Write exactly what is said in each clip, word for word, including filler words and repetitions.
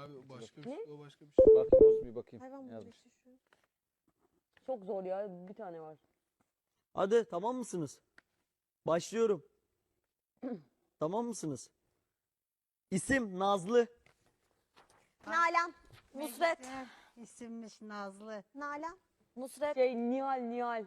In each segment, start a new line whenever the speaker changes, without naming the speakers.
Abi o başka bir
Ne?
şey. O başka bir şey.
Bakayım olsun bir bakayım.
Hayvan mı
Yazmış.
işte şu?
Çok zor ya. Bir tane var.
Hadi tamam mısınız? Başlıyorum. Tamam mısınız? İsim Nazlı.
Nalan.
Nusret.
İsimmiş Nazlı.
Nalan.
Nusret.
Şey Nihal Nihal.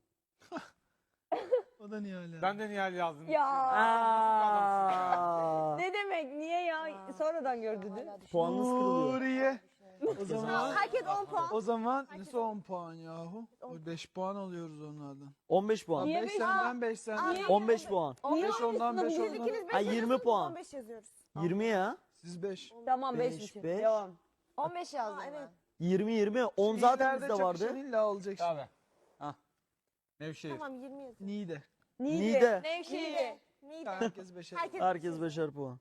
O da niye hala?
Ben de Nihal yazdım.
Ya.
Aa,
Ne demek? Niye ya? Sonradan gördünüz.
puanınız kırılıyor.
Nuriye. O zaman
Herkes on puan.
o zaman nasıl on puan yahu? O beş puan alıyoruz onlardan.
on beş puan.
Niye
beş
beş?
senden beş senden.
Niye?
on beş puan.
beş ondan beş
Siz
ondan.
ikiniz beş
Ha, yirmi
yazıyorsunuz,
puan.
on beş yazıyoruz.
yirmi ya.
Siz beş.
Tamam
Beş,
beş için.
beş.
Devam.
on beş yazdım
Aa,
ben.
evet.
yirmi yirmi. on zaten
İleride
bizde vardı.
çakışan illa alacak şimdi.
Abi. Hah. Nevşehir.
Tamam yirmi yazıyoruz.
Niğde.
Niğde.
Nevşehir.
Neydi?
Herkes beşer.
Herkes
Herkes beşer puan.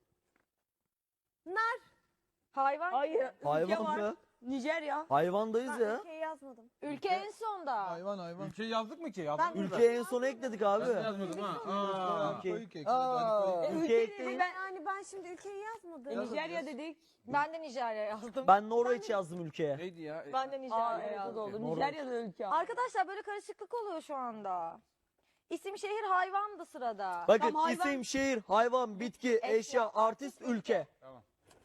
Hayvan.
Hayır. Ülke
Hayvan
var.
mı?
Nijerya.
Hayvandayız
Ben
ya.
ülkeyi yazmadım.
Ülke en sonda.
Hayvan hayvan.
Ülkeyi yazdık mı ki? Yazdık
Ben-
mı?
Ülkeye en sona ekledik abi.
Ben de yazmadım ha. Aa.
Ülke.
Koyu kek.
Aa.
Hadi koyu kek.
Ülke
Ülke
ekleyin.
ben
Yani ben şimdi ülkeyi yazmadım.
E, Nijerya dedik.
Ben de Nijerya yazdım.
Ben Norveç yazdım ülkeye.
Neydi ya?
Ben de
Aa
Nijerya
evet o da
yazdım.
olur.
Norveç.
Nijerya da ülke.
Arkadaşlar böyle karışıklık oluyor şu anda. İsim, şehir, hayvan da sırada.
Bakın
Tam hayvan-
isim, şehir, hayvan, bitki, eşya, artist, ülke.
Tamam.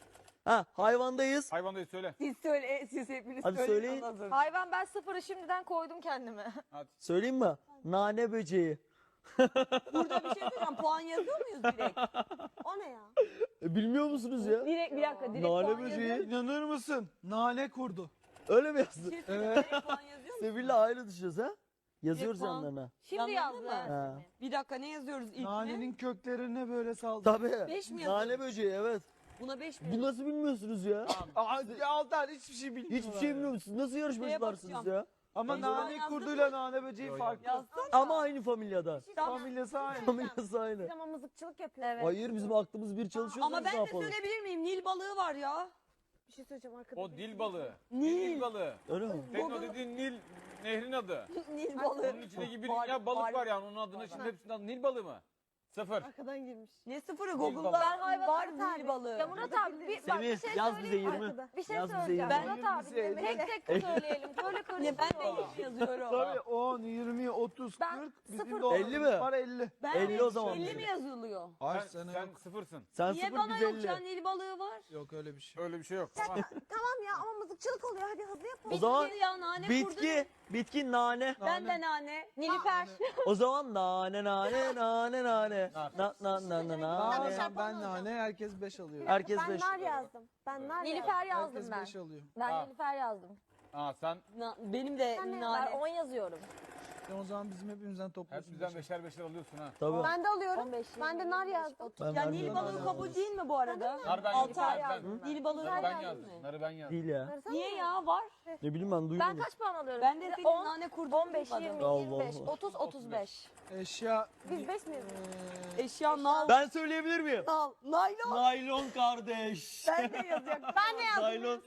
Ha, hayvandayız.
Hayvandayız söyle.
Siz söyle, siz hepiniz
Hadi
söyleyin.
söyleyin.
ondan sonra.
Hayvan ben sıfırı şimdiden koydum kendime.
Hadi.
Söyleyeyim mi? Nane böceği.
Burada bir şey söyleyeceğim. Puan yazıyor muyuz direkt?
O ne ya?
E, bilmiyor musunuz ya?
Direkt bir dakika. Direkt
Nane
puan
böceği.
yazıyor.
İnanır mısın? Nane kurdu.
Öyle mi
Bir
yazdın?
şey söyleyeceğim. Direkt puan yazıyor musun?
Sevil'le ayrı düşüyoruz ha? Yazıyoruz
puan.
yanlarına.
Şimdi
Yanlarına
yazdım.
mı?
Ha.
Bir dakika ne yazıyoruz ilk
Nanenin köklerine böyle saldı.
Tabii.
Beş mi yazıyoruz?
Nane böceği evet.
Buna beş mi?
Bu nasıl bilmiyorsunuz ya?
Aa, ya Altar hiçbir şey bilmiyorlar.
Hiçbir şey bilmiyor musunuz? Nasıl yarışmacılarsınız
bakacağım.
ya?
Ama
Ben
nane
yazdım
kurduyla nane böceği
Yo, yo.
farklı.
Yazsana.
Ama aynı familyadan.
Familyası aynı.
Familyası aynı.
Biz ama mızıkçılık yapıyoruz.
Evet.
Hayır bizim aklımız bir çalışıyor.
Ama
biz
ben
ne
de
yapalım?
söyleyebilir miyim? Nil balığı var ya.
Bir şey söyleyeceğim arkada.
O dil balığı.
Nil.
Dil balığı.
Öyle mi?
Senin o dediğin Nil nehrin adı.
Nil balığı.
Onun içindeki bir
Var-
dünya balık
var.
var yani. Onun adına şimdi hepsinin adı Nil balığı mı? Sıfır.
Arkadan girmiş.
Ne sıfırı?
balığı.
Google'da
Ben hayvan
var
arası
Nil balığı.
Ya Murat abi bir, bak, bir
Semih
şey
yaz bize
söyleyeyim.
yirmi.
Arkada.
Bir şey
Yaz bize
söyleyeceğim.
yirmi.
Murat abi
Yirmi bize
tek tek söyleyelim. Böyle
Ne
karışık.
ben de hiç yazıyorum.
Tabii on, yirmi, otuz,
Ben
kırk.
sıfır
Bizim de
koydum.
elli mi?
Var elli.
Ben
elli
de
o zaman
elli
bize.
mi yazılıyor?
Ay
Sen,
sana
sen
yok.
sıfırsın.
Sen
Niye
sıfır
bana
biz
yok
elli.
ya? Nil balığı var.
Yok öyle bir şey.
Öyle bir şey yok. Tamam.
Tamam ya ama mızıkçılık oluyor. Hadi hızlı yapalım.
O zaman
Bitki ya nane
bitki, bitki nane.
Ben de nane.
Nilüfer.
O zaman nane nane nane nane. Na na na na
Nane,
nane.
ben nane, herkes beş alıyor.
Herkes
Ben
beş.
nar yazdım. Ben nar yazdım.
Nilüfer yazdım
Herkes
ben.
beş alıyor.
Ben
Ha.
Nilüfer yazdım.
Aa sen
Na- benim de
Sen ne-
Ben
nane.
on yazıyorum.
E o zaman bizim hepimizden topluyorsun.
hepimizden
beşer.
beşer beşer alıyorsun ha.
Tabii.
Ben de alıyorum.
on beş,
Ben de nar yazdım.
Ben
Ya
vermiyorum.
Nil balığı
nane
kabul değil mi bu arada?
Nar ben
Altı
yazdım.
ay
Ben,
yazdım.
Nil balığı
narı ben
yazdın
yazdım.
mı?
Narı ben yazdım.
Değil ya.
Narı
Niye ya var?
Ne bileyim ben
Ben
duymadım.
kaç puan alıyorum?
Ben de
Şimdi
senin
on,
nane kurdun.
on beş, yirmi,
Allah
yirmi beş,
Allah.
otuz, otuz beş.
Eşya.
Biz beş mi yazıyoruz?
Eee,
Eşya nal.
Ben söyleyebilir miyim?
Nal. Naylon.
Naylon kardeş.
Ben de yazacağım.
Ben ne yazdım?
Naylon.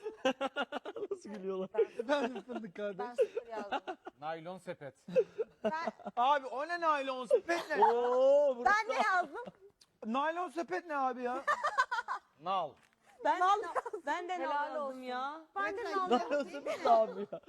Nasıl gülüyorlar?
ben de fındık kardeş.
Ben sıfır yazdım.
Naylon sepet.
Ben,
Abi o ne naylon sepet ne?
Oo, burası-
ben ne yazdım?
Naylon sepet ne abi ya?
Nal.
Ben de, ben de
Helal
nal yazdım
olsun.
ya.
Ben de nal
Naylon
yazdım.
sepet ne abi ya?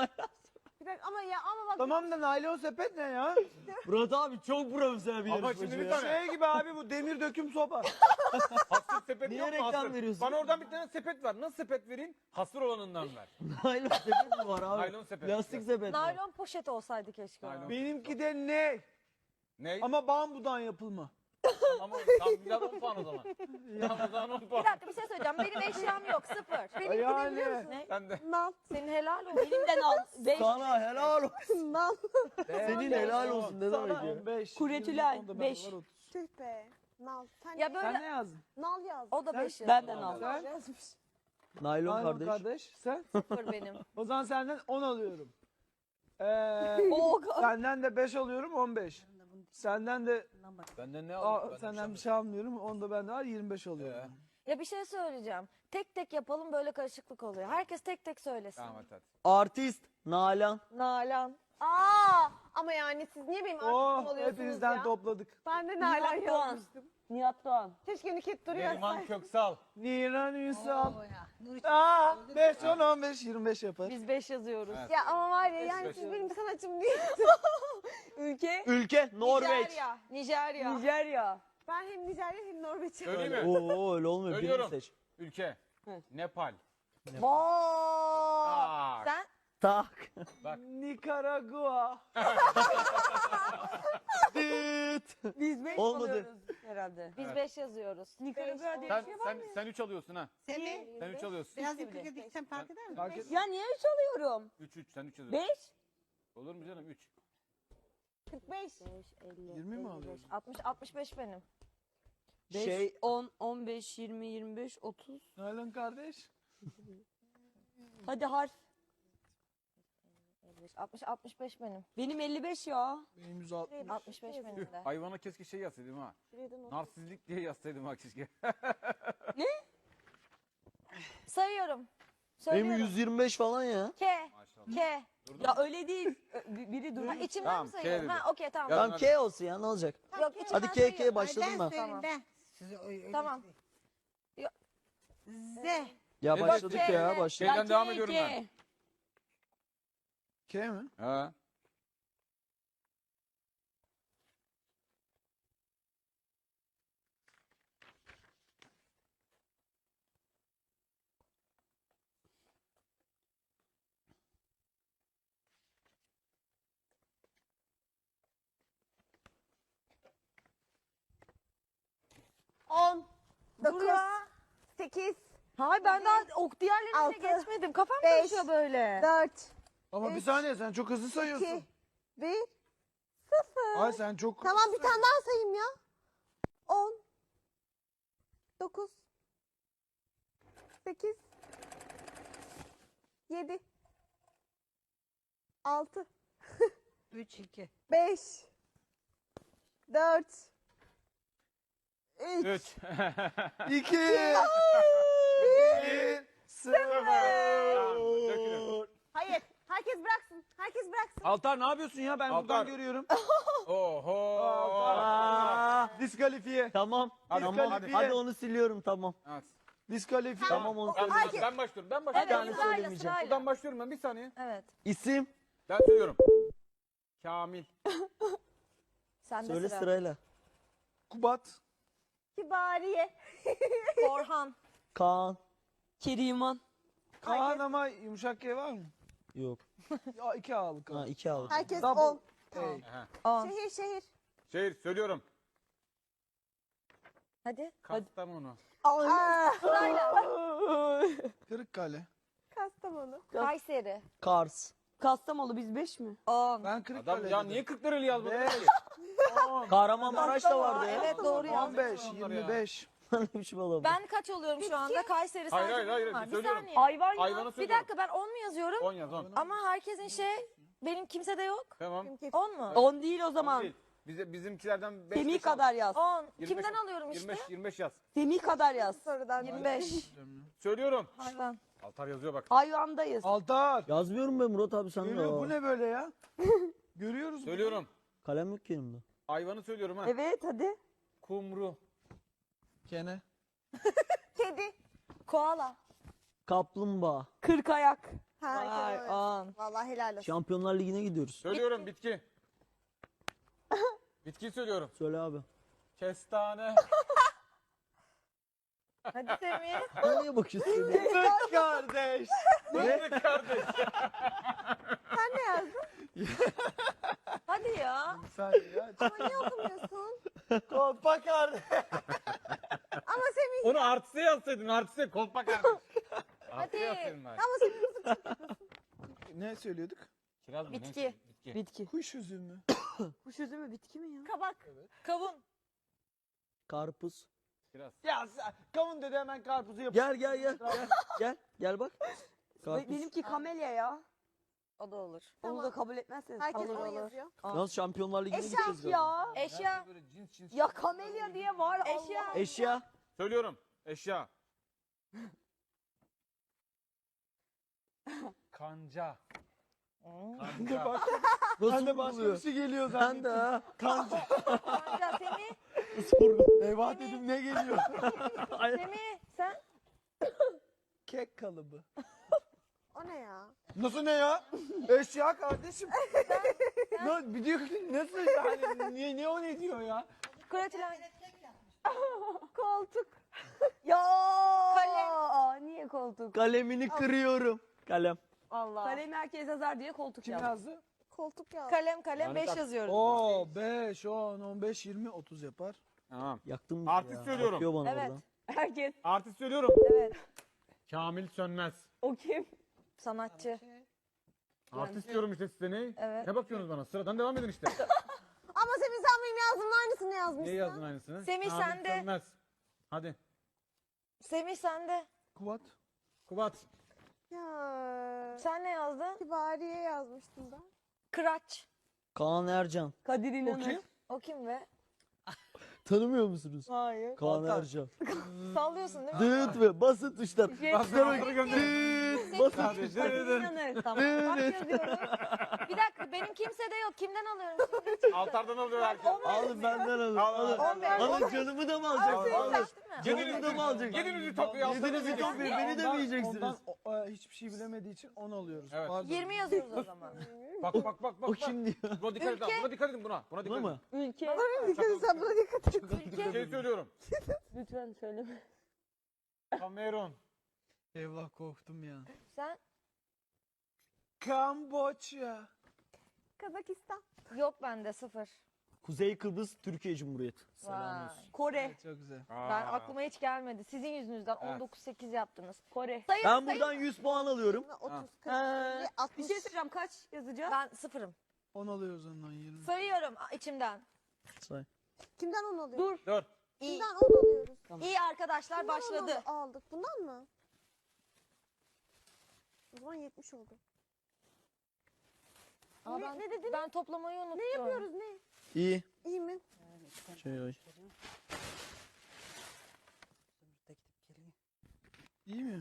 Bir dakika ama ya ama bak.
Tamam da naylon sepet ne ya?
Murat abi çok profesyonel bir
Ama
yarışmacı
şimdi bir
ya.
tane-
Şey gibi abi bu demir döküm sopa.
Hasır sepet
Niye
yok mu
reklam
hasır?
veriyorsun?
Bana oradan bir tane sepet ver. Nasıl sepet vereyim? Hasır olanından ver.
Naylon sepet mi var abi?
Naylon sepet.
Lastik sepet var.
Naylon poşet olsaydı keşke. o.
Naylon.
Benimki de ne?
Ne?
Ama bambudan yapılma.
Ama tam güzel on puan o zaman. Tam o zaman on
Bir
puan.
dakika bir şey söyleyeceğim. Benim eşyam yok. Sıfır.
Benimki de biliyor
Yani.
musun?
Ne?
Ben de.
Nal.
Senin helal olsun.
Benim de nal. Beş.
Sana helal olsun.
Nal.
Senin helal olsun ne demek ya?
on beş.
Kuretülay,
yirmi, on da
beş.
bende var, otuz.
Tüh be. Nal. Sen,
Ya
ne-
böyle
Sen ne yazdın?
Nal yazdım.
o da beş
Ben
yazdı.
de nal.
Sen?
yazmış.
Naylon
Naylon
kardeş.
kardeş. Sen?
Sıfır benim.
O zaman senden on alıyorum. Ee,
Oo,
senden de beş alıyorum on beş. Senden de
Benden ne
aa,
aldın? Ben
senden bir şey almıyorum. Onu da bende var yirmi beş alıyorum.
Ee,
Ya bir şey söyleyeceğim. Tek tek yapalım böyle karışıklık oluyor. Herkes tek tek söylesin.
Tamam hadi hadi.
Artist Nalan.
Nalan.
Aa ama yani siz niye benim
Oh
arkadaşım oluyorsunuz
hepinizden
ya?
topladık.
Ben de Nalan
Puan.
yazmıştım.
Nihat Doğan.
Keşke Nüket duruyor.
Neriman Köksal.
Niran Ünsal.
Oo ya. Nur
Aa, beş, on, on beş, yirmi beş yapar.
Biz beş yazıyoruz.
Evet.
Ya ama var ya yani
Beş
siz
beş.
benim sanatçım değil.
Ülke?
Ülke Norveç.
Nijerya. Nijerya.
Nijerya.
Ben hem Nijerya hem Norveç'im.
Söyleyeyim mi?
Oo öyle olmuyor. Birini
Söylüyorum.
seç.
Ülke.
Evet.
Nepal.
Vay.
Aa,
Sen?
Tak.
bak.
Nikaragua.
Düt.
Biz beş
Olmadı.
alıyoruz herhalde.
Biz
Evet.
beş yazıyoruz.
Nikaragua diye
Sen,
bir şey var
sen,
mı?
sen üç alıyorsun ha.
Seni
Sen üç alıyorsun.
biraz yukarı gitsen fark eder mi?
Fark et-
Ya niye üç alıyorum?
üç üç sen üç yazıyorsun.
Beş?
Olur mu canım üç?
kırk beş.
yirmi mi alıyorsun?
altmış altmış beş benim.
Beş,
Şey-
on, on beş, yirmi, yirmi beş, otuz.
Nalan kardeş.
Hadi harf.
elli beş, altmış altmış beş benim.
Benim elli beş ya.
Benim yüz altmış.
altmış beş benim de.
Hayvana keşke şey yazsaydım ha. Narsizlik diye yazsaydım ha keşke.
Sayıyorum.
Benim
Söylüyorum.
yüz yirmi beş falan ya.
K.
Maşallah.
K.
Ya öyle değil. Ö- bi- Biri
Ha,
duruyor.
içimden
Tamam,
mi
K
sayıyorum?
dedi.
Ha okey tamam.
Ya-
Tamam
hadi.
K olsun ya ne olacak?
Yok içimden
Hadi K
sayıyorum.
K'ye başladın
ben
mı?
söyleyeyim
Tamam.
ben. Size öyle- öyle
Tamam.
söyleyeyim. Z.
Ya
Evet.
başladık
K,
ya
evet.
başladık.
Şeyden
Ya
devam
K,
ediyorum
K.
ben.
K mi?
Ha.
on.
Dur
dokuz.
ya.
sekiz.
Hayır ben daha ok diğerlerine
Altı,
geçmedim. Kafam
beş,
karışıyor böyle.
dört.
Ama bir
Üç,
saniye sen çok hızlı sayıyorsun.
iki. bir.
Ay sen çok
Tamam
hızlı
bir tane daha sayayım ya. on. dokuz. sekiz. yedi. altı.
üç iki.
beş. dört. üç.
üç.
İki. Bir. Sıfır.
Dökülün.
Hayır. Herkes bıraksın. Herkes bıraksın.
Altar ne yapıyorsun ya? Ben
Altar.
buradan görüyorum.
Oho.
Aa,
Diskalifiye.
tamam.
Hadi,
Tamam.
hadi.
Hadi onu siliyorum tamam.
Evet.
Diskalifiye.
Tamam onu
Ben,
söyleyeyim.
ben, ben başlıyorum. Ben
Evet
başlıyorum.
tane
sırayla
söylemeyeceğim.
sırayla.
Buradan başlıyorum ben bir saniye.
Evet.
İsim
Ben söylüyorum. Kamil.
Sen de
söyle
sıra.
sırayla.
Kubat.
Kibariye.
Orhan.
Kaan.
Keriman.
Kaan ama yumuşak K var mı?
Yok.
Ya iki al Kaan.
Ha iki aldım.
Herkes
Double.
on.
Hey.
Aha.
On.
Şehir şehir.
Şehir söylüyorum.
Hadi.
Kastamonu.
Aa,
Kırıkkale.
Kastamonu.
Kayseri.
Kars.
Kastamonu biz beş mi?
On.
Ben
Adam
Kırıkkale
ya
dedim.
niye kırk liralı yazmadın?
Beş.
ki?
Kahramanmaraş da vardı ya.
Evet doğru ya.
on beş.
Onlar
yirmi beş.
Ne biçim adam?
Ben kaç oluyorum şu anda? Kayseri
Hayır,
sadece
hayır, hayır,
benim var. Bir
söylüyorum.
saniye.
Hayvan ya.
Hayvanı
Bir
söylüyorum.
dakika ben on mu yazıyorum?
on yaz on.
Ama herkesin şey benim kimsede yok.
Tamam.
on mu?
On değil o zaman.
Değil. Bize, bizimkilerden beş
Semih
beş al.
kadar yaz.
on.
yirmi beş
Kimden
al.
alıyorum işte?
yirmi beş, yirmi beş yaz.
Semih kadar yaz.
Sorudan.
yirmi beş.
Söylüyorum.
Hayvan.
Altar yazıyor bak.
Hayvandayız.
Altar.
Yazmıyorum ben Murat abi sen de.
Görüyor, bu ne böyle ya? Görüyoruz.
Söylüyorum.
Kalem yok ki elimde.
Hayvanı söylüyorum ha.
Evet hadi.
Kumru.
Kene.
Kedi.
Koala.
Kaplumbağa.
Kırk ayak.
Harika.
Vay
evet.
on.
Vallahi helal olsun.
Şampiyonlar Ligi'ne gidiyoruz.
Söylüyorum bitki. Bitkiyi söylüyorum.
Söyle abi.
Kestane.
Hadi Semih.
Sen niye bakıyorsun?
Fıstık kardeş.
Fındık kardeş.
Sen ne yazdın?
Hadi ya.
Bir saniye ya.
Ama niye okumuyorsun?
Kolpa kardeş.
Ama Semih.
Onu artiste yazsaydın artiste kolpa kardeş. Artiste yazsaydın bari.
Ama Semih nasıl
Ne söylüyorduk?
Kiraz mı?
Bitki.
Neyse, Bitki.
Bitki.
Kuş üzümü.
Kuş üzümü bitki mi ya?
kabak?
Kavun.
Karpuz.
Kiraz.
Ya sen, kavun dedi hemen karpuzu yapıyor.
Gel gel gel. Gel gel, gel bak. Karpuz.
Benimki kamelya ya.
O da olur.
Onu da kabul etmezseniz.
Herkes
Olur,
on
olur.
yazıyor.
Yalnız Şampiyonlar Ligi'ne
Eşek
gideceğiz galiba.
Ya.
Eşya.
Böyle cins cins.
Ya kamelya diye var.
Eşya.
Allah.
Eşya.
Söylüyorum. Eşya. Kanca.
Ben de
Kanca.
bak.
Nasıl
Ben de başka
buluyor?
bir şey geliyor
Ben
zannettim.
de ha.
Kanca Semih.
Isburgu.
Eyvah dedim ne geliyor?
Semih sen?
Kek kalıbı.
O ne ya?
Nasıl ne ya? Eşya kardeşim. Ne bir diyor ki nasıl yani niye ne o ne diyor ya?
Kuratilen.
Koltuk.
Ya.
Kalem.
Aa, niye koltuk?
Kalemini kırıyorum. Kalem.
Allah.
Kalemi herkes yazar diye koltuk
Kim
yaz.
yazdı?
Koltuk ya.
Kalem kalem
Yani
beş
tak-
yazıyoruz.
Oo beş, on, on beş, yirmi, otuz yapar.
Tamam.
Yaktın mı
Artist
ya?
söylüyorum.
Bakıyor bana
Evet.
oradan.
Herkes.
Artist söylüyorum.
Evet.
Kamil Sönmez.
O kim?
Sanatçı.
Artist diyorum işte size ne?
Evet.
Ne bakıyorsunuz bana? Sıradan devam edin işte.
Ama Semih sen benim yazdığımın aynısını yazmışsın.
Niye yazdın aynısını?
Semih,
Kamil
sen de.
Sönmez. Hadi.
Semih sende.
Kuvat.
Kubat.
Ya.
Sen ne yazdın?
Kibariye yazmıştım ben.
Kıraç.
Kaan Ercan.
Kadir
O
İnanır.
kim?
O kim be?
Tanımıyor musunuz?
Hayır.
Kaan Ercan.
Sallıyorsun değil mi?
Dıt ve basın tuşlar.
Şey-
Basın gönder.
Dıt basın
Hadi.
tuşlar.
Kadir İnanır. Tamam.
Bak yazıyorum. Bir dakika benim kimsede yok. Kimden alıyorum şimdi?
Altardan alıyor herkes.
Alın benden alın.
Al, al,
Alın.
al, al.
Alın canımı da mı alacaksınız? Alın.
Değil mi?
Canımı da mı alacaksınız?
Yedinizi toplayın.
Yedinizi toplayın. Beni de mi
Ondan-
yiyeceksiniz?
Ondan o- e, hiçbir şey bilemediği için on alıyoruz.
Evet.
Pardon.
yirmi yazıyoruz o zaman.
Bak bak bak bak.
O
bak.
kim diyor?
Buna dikkat edin.
Ülke.
Buna dikkat edin buna. Buna
Buna
dikkat edin.
mı?
Ülke.
Dikkat et sen buna dikkat et.
Bir şey söylüyorum.
Lütfen söyleme.
Kamerun.
Eyvah korktum ya.
Sen?
Kamboçya.
Kazakistan.
Yok bende sıfır.
Kuzey Kıbrıs Türkiye Cumhuriyeti.
Vay.
Kore.
Evet, çok güzel.
Ben aklıma hiç gelmedi. Sizin yüzünüzden
Evet.
on dokuz sekiz yaptınız.
Kore.
Sayın
Ben
sayın.
buradan yüz puan alıyorum.
otuz, kırk,
Ha.
elli,
Bir
altmış.
şey söyleyeceğim. Kaç yazacağız?
Ben sıfırım.
on alıyoruz ondan yirmi.
Sayıyorum a- içimden.
Say.
Kimden on alıyoruz?
Dur.
Dur.
İyi.
Kimden on alıyoruz?
İyi arkadaşlar
Kimden on
başladı.
al- aldık? Bundan mı? O zaman yetmiş oldu.
Aa,
Ne-
ben,
ne dedin?
Ben toplamayı unuttum.
Ne yapıyoruz ne?
İyi.
İyi mi?
Şey, oy.
İyi mi?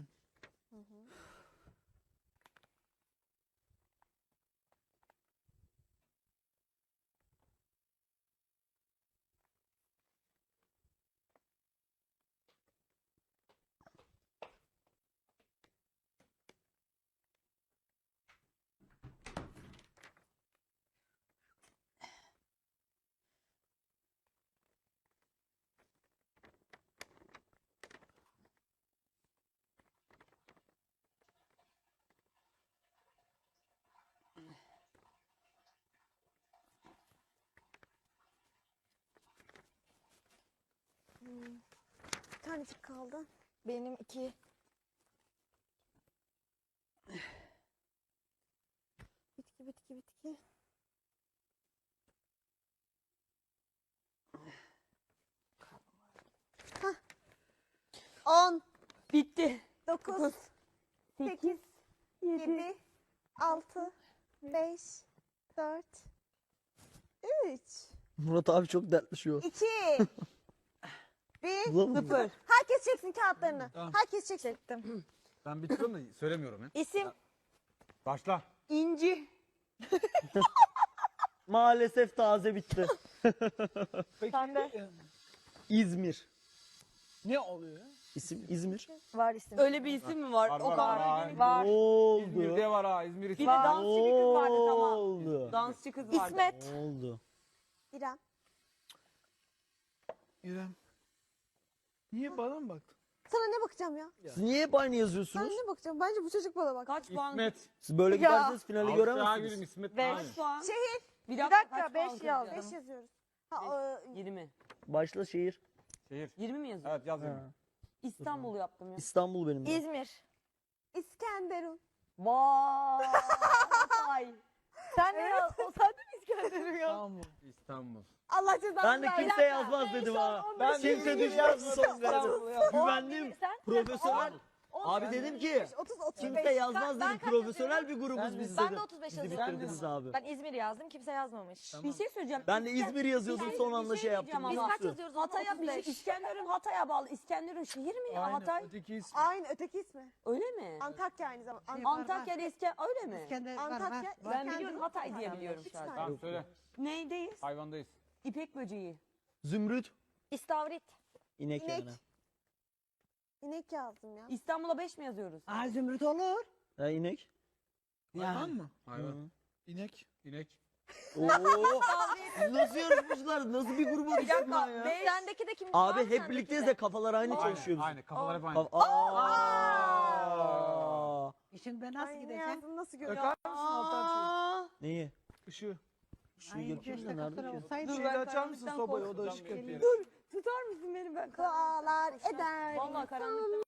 Bir tanecik kaldı.
Benim iki.
Bitki bitki bitki. Hah. On,
Bitti.
dokuz, sekiz, yedi, altı, beş, dört, üç,
Murat abi çok dertli şu an.
iki, bir.
Bulamıyorum.
Sıfır.
Herkes çeksin kağıtlarını.
Tamam.
Herkes çeksin.
Çektim.
Ben bitiriyorum da söylemiyorum ya.
İsim.
Başla.
İnci.
Maalesef taze bitti.
Peki,
Sen de.
e,
İzmir.
ne oluyor?
İsim İzmir.
Var isim.
Öyle bir isim mi var?
Var,
O
var,
kadar.
var.
Var.
Ne oldu?
İzmir'de var ha. İzmir
Bir
için.
de dansçı bir kız vardı
Ne
tamam.
oldu?
Dansçı kız vardı.
İsmet.
Ne oldu?
İrem.
İrem. Niye bana mı baktın?
Sana ne bakacağım ya?
Siz niye hep aynı
Sana
yazıyorsunuz?
ne bakacağım? Bence bu çocuk bana bak.
Kaç puan?
İsmet.
Siz böyle
Ya.
giderseniz finali
Avustralya
göremezsiniz.
gülüm İsmet.
Beş
Aynen.
puan.
Şehir.
Bir
Bir
dakika,
dakika,
kaç
beş
puan
yaz.
kıracağız?
Beş yazıyoruz. Ha, e,
Yirmi.
Başla şehir.
Şehir.
Yirmi mi yazıyor?
Evet yaz
Ha.
yirmi.
İstanbul yaptım ya.
İstanbul benim. de.
İzmir.
İskenderun.
Vay.
Sen ne yaz? O sen de mi İskenderun ya?
Tamam mı?
İstanbul.
Allah cezanı
Ben de
versin.
kimse yazmaz dedim ha.
Ben
Kimse
de
düşmez son
İstanbul
galiba.
ya.
Güvendim.
Sen
Profesyonel. Abi dedim ki
otuz, otuz beş.
kimse yazmaz
Ben
dedim.
kaç
Profesyonel bir grubuz
Ben de-
biz
Ben
dedim.
de otuz beş
Bizi
yazıyorum.
bitirdiniz abi.
Ben İzmir yazdım. Kimse yazmamış.
Tamam.
Bir şey söyleyeceğim.
Ben de
İsken-
İzmir yazıyordum
Bir
son
şey
anda şey
diyeceğim
yaptım.
ama.
Biz
Biz
kaç
kaç
yazıyoruz?
Hatay'a
otuz
bir
beş.
İskenderun Hatay'a bağlı. İskenderun şehir mi ya
Aynen,
Hatay?
öteki ismi.
Aynı öteki ismi.
Öyle mi?
Antakya aynı zamanda. An-
Antakya ile İsken öyle mi?
İskender var
Antakya.
var. var.
Ben
İskenderun,
biliyorum Hatay diye biliyorum
Üç
sadece.
tane.
Tamam söyle.
Neydeyiz?
Hayvandayız.
İpek böceği.
Zümrüt.
İstavrit.
İnek,
İnek.
yani.
İnek yazdım ya.
İstanbul'a beş mi yazıyoruz?
Aa, zümrüt olur.
Ha, inek.
Hayvan mı?
Hayvan.
İnek.
İnek.
Oo. Nasıl yarışmışlar? Nasıl bir gruba
Bir
düştün
dakika.
lan ya?
Beş.
Sendeki de kim?
Abi
var
hep
sendeki
birlikteyiz
de?
de kafalar aynı
Aynen,
çalışıyor bizim.
aynen. Kafalar hep aynı.
Kaf- Aa.
E şimdi ben nasıl
Ay, ne
gideceğim?
yazdım nasıl görüyorum?
Öper misin Altan
Aa.
Neyi?
Işığı.
Şu
Ay,
yapayım da
keşke
nerede
kapılar
ki?
olsaydı.
Dur,
Şeyi
ben
de açar mısın
karanlıktan
sobayı o da
korkacağım
ışık
bir
yapıyor.
Dur. Tutar mısın beni ben?
Dualar eder.
Vallahi karanlıktan